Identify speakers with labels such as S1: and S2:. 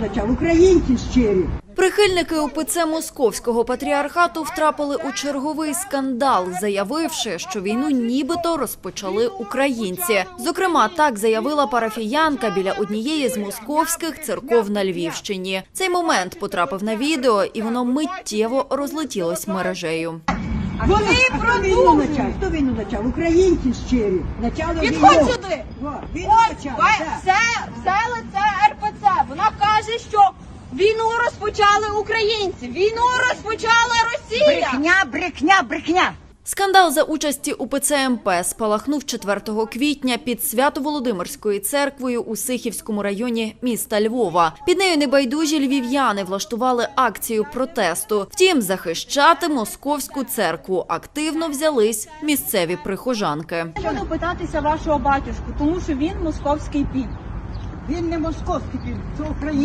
S1: почав? Українці щирі.
S2: Прихильники УПЦ Московського патріархату втрапили у черговий скандал, заявивши, що війну нібито розпочали українці. Зокрема, так заявила парафіянка біля однієї з московських церков на Львівщині. Цей момент потрапив на відео, і воно миттєво розлетілось мережею.
S1: Вони продовжують. Хто війну почав? Українці щирі.
S3: Підходь сюди. Ось все лице РПЦ. Вона каже, що війну розпочали українці. Війну розпочала Росія.
S1: Брехня.
S2: Скандал за участі УПЦ МП спалахнув 4 квітня під Свято-Володимирською церквою у Сихівському районі міста Львова. Під нею небайдужі львів'яни влаштували акцію протесту. Втім, захищати московську церкву активно взялись місцеві прихожанки.
S3: Я буду питатися вашого батюшку, тому що він московський піп.
S1: Він не московський, це український.